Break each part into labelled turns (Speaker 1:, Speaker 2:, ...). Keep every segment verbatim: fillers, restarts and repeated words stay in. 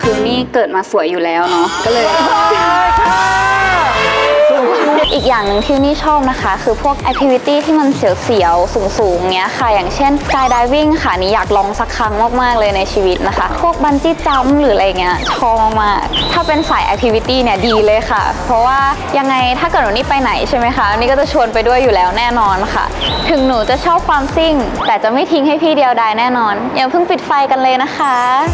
Speaker 1: คือนี่เกิดมาสวยอยู่แล้วเนาะก็เลยอีกอย่างหนึ่งที่นี่ชอบนะคะคือพวกแอคทิวิตี้ที่มันเสียวๆสูงๆเงี้ยค่ะอย่างเช่นสกายไดวิ่งค่ะนี่อยากลองสักครั้งมากๆเลยในชีวิตนะคะพวกบันจี้จัมป์หรืออะไรเงี้ยชอบมากถ้าเป็นสายแอคทิวิตี้เนี่ยดีเลยค่ะเพราะว่ายังไงถ้าเกิดหนูนี่ไปไหนใช่ไหมคะนี่ก็จะชวนไปด้วยอยู่แล้วแน่นอนค่ะถึงหนูจะชอบความซิ่งแต่จะไม่ทิ้งให้พี่เดียวดายแน่นอนอย่าเพิ่งปิดไฟกันเลยนะคะ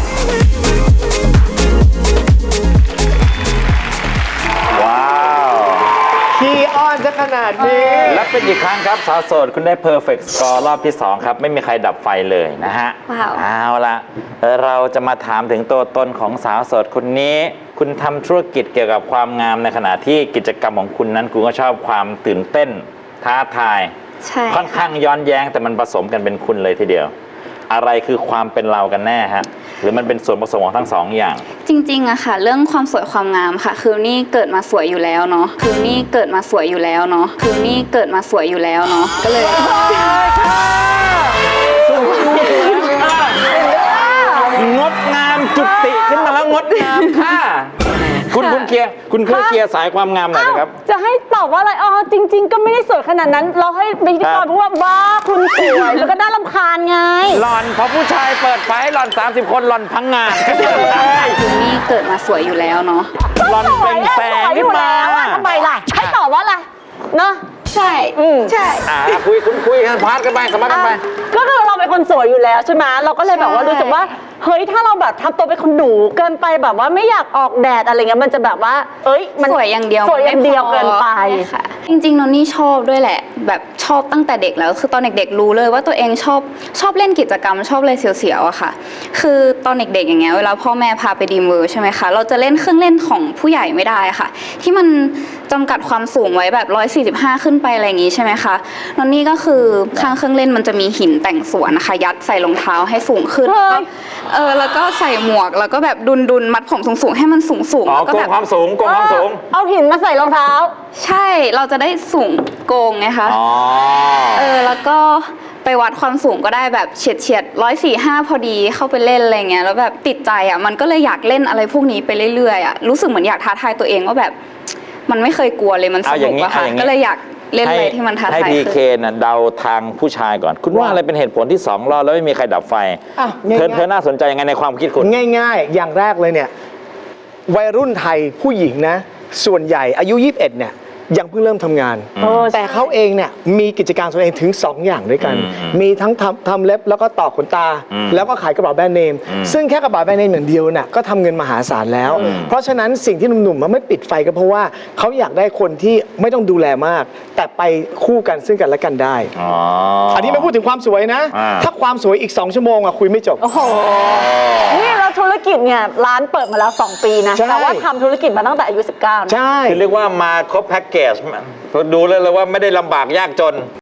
Speaker 2: ว้าว
Speaker 3: ขี้อ้อนจะขนาดนี้
Speaker 2: และเป็นอีกครั้งครับสาวโสดคุณได้ perfect score รอบที่สองครับไม่มีใครดับไฟเลยนะฮะ
Speaker 1: ว้าว
Speaker 2: เอาละเราจะมาถามถึงตัวตนของสาวโสดคนนี้คุณทำธุรกิจเกี่ยวกับความงามในขณะที่กิจกรรมของคุณนั้นคุณก็ชอบความตื่นเต้นท้าทาย
Speaker 1: ใช่
Speaker 2: ค่อนข้างย้อนแย้งแต่มันผสมกันเป็นคุณเลยทีเดียวอะไรคือความเป็นเรากันแน่ฮะหรือมันเป็นส่วนผสมของทั้งสองอย่าง
Speaker 1: จริงๆอะค่ะเรื่องความสวยความงามค่ะคือนี่เกิดมาสวยอยู่แล้วเนาะคือนี่เกิดมาสวยอยู่แล้วเนาะคือนี่เกิดมาสวยอยู่แล้วเนาะก็เลย
Speaker 2: งดงามจุติขึ้นมาแล้วงดงามค่ะคุณคุณเคลียร์คุณเคลียร์สายความงามหน่อยนะครับ
Speaker 4: จะให้ตอบว่าอะไรอ๋อจริงๆก็ไม่ได้สวยขนาดนั้นเราให้พิธีกรพูดว่าบ้าคุณสวยแล้วก็น่ารำคาญไง
Speaker 2: หล่อนพอผู้ชายเปิดไฟหล่อนสามสิบคนหล่อนพังงาน
Speaker 1: คือนี่เกิดมาสวยอยู่แล้วเนาะ
Speaker 2: หล่อนเป็นแสงขึ้นมา
Speaker 4: ทำไมล่ะให้ตอบว่าอะไรเนาะ
Speaker 1: ใช่ใช่
Speaker 2: อ่าคุยคุณคุยกันพาร์ทกันไปสมัครกันไป
Speaker 4: ก็คือเราเป็นคนสวยอยู่แล้วใช่ไหมเราก็เลยแบบว่ารู้สึกว่าเฮ้ยถ้าเราแบบทำตัวเป็นคนหนูเกินไปแบบว่าไม่อยากออกแดดอะไรเงี้ยมันจะแบบว่าเอ้ยมัน
Speaker 1: สวยอย่างเดียว
Speaker 4: สวยอย่างเดียวเกินไป
Speaker 1: ค่ะจริงๆนนนี่ชอบด้วยแหละแบบชอบตั้งแต่เด็กแล้วคือตอนเด็กๆรู้เลยว่าตัวเองชอบชอบเล่นกิจกรรมชอบอะไรเสียวๆอะค่ะคือตอนเด็กๆอย่างเงี้ยเวลาพ่อแม่พาไปดีมเวอร์ใช่ไหมคะเราจะเล่นเครื่องเล่นของผู้ใหญ่ไม่ได้ค่ะที่มันจำกัดความสูงไว้แบบหนึ่งร้อยสี่สิบห้าขึ้นไปอะไรอย่างงี้ใช่ไหมคะนนนี่ก็คือข้างเครื่องเล่นมันจะมีหินแต่งสวนนะคะยัดใส่รองเท้าให้สูงขึ้นเออแล้วก็ใส่หมวกแล้วก็แบบดุนดุนมัดผมสูงๆให้มันสูงสูง
Speaker 2: แล้วก็แบบความสูงโกงความสูง
Speaker 4: เอาหินมาใส่รองเท้า
Speaker 1: ใช่เราจะได้สูงโกงไงคะเออแล้วก็ไปวัดความสูงก็ได้แบบเฉียดเฉียดร้อยสี่ห้าพอดีเข้าไปเล่นอะไรเงี้ยแล้วแบบติดใจอ่ะมันก็เลยอยากเล่นอะไรพวกนี้ไปเรื่อยๆอ่ะรู้สึกเหมือนอยากท้าทายตัวเองว่าแบบมันไม่เคยกลัวเลยมันสนุกอะค่ะก็เลยอยากเล่นอะไรที่มันท้าทาย
Speaker 2: ให้พีเคน่ะเดาทางผู้ชายก่อนคุณว่าอะไรเป็นเหตุผลที่สองรอบแล้วไม่มีใครดับไฟเธอเธอน่าสนใจยังไงในความคิดคุณ
Speaker 3: ง่ายๆอย่างแรกเลยเนี่ยวัยรุ่นไทยผู้หญิงนะส่วนใหญ่อายุยี่สิบเอ็ดเนี่ยยังเพิ่งเริ่มทำงานแต่เขาเองเนี่ยมีกิจการตัวเองถึงสองอย่างด้วยกันมีทั้งทำทำเล็บแล้วก็ต่อขนตาแล้วก็ขายกระเป๋าแบรนด์เนมซึ่งแค่กระเป๋าแบรนด์เนมอย่างเดียวน่ะก็ทำเงินมหาศาลแล้วเพราะฉะนั้นสิ่งที่หนุ่มๆมันไม่ปิดไฟก็เพราะว่าเขาอยากได้คนที่ไม่ต้องดูแลมากแต่ไปคู่กันซึ่งกันและกันได้อันนี้ไม่พูดถึงความสวยนะถ้าความสวยอีกสองชั่วโมงอะคุยไม่จบ
Speaker 4: โอ้โหนี่เราธุรกิจเนี่ยร้านเปิดมาแล้วสองปีนะแต่ว่าทำธุรกิจมาตั้งแต่อายุสิบเก้า
Speaker 3: ใช่
Speaker 2: คือเรียกว่ามาครบแพ็กเกจดูเลยเลยว่าไม่ได้ลำบากยากจน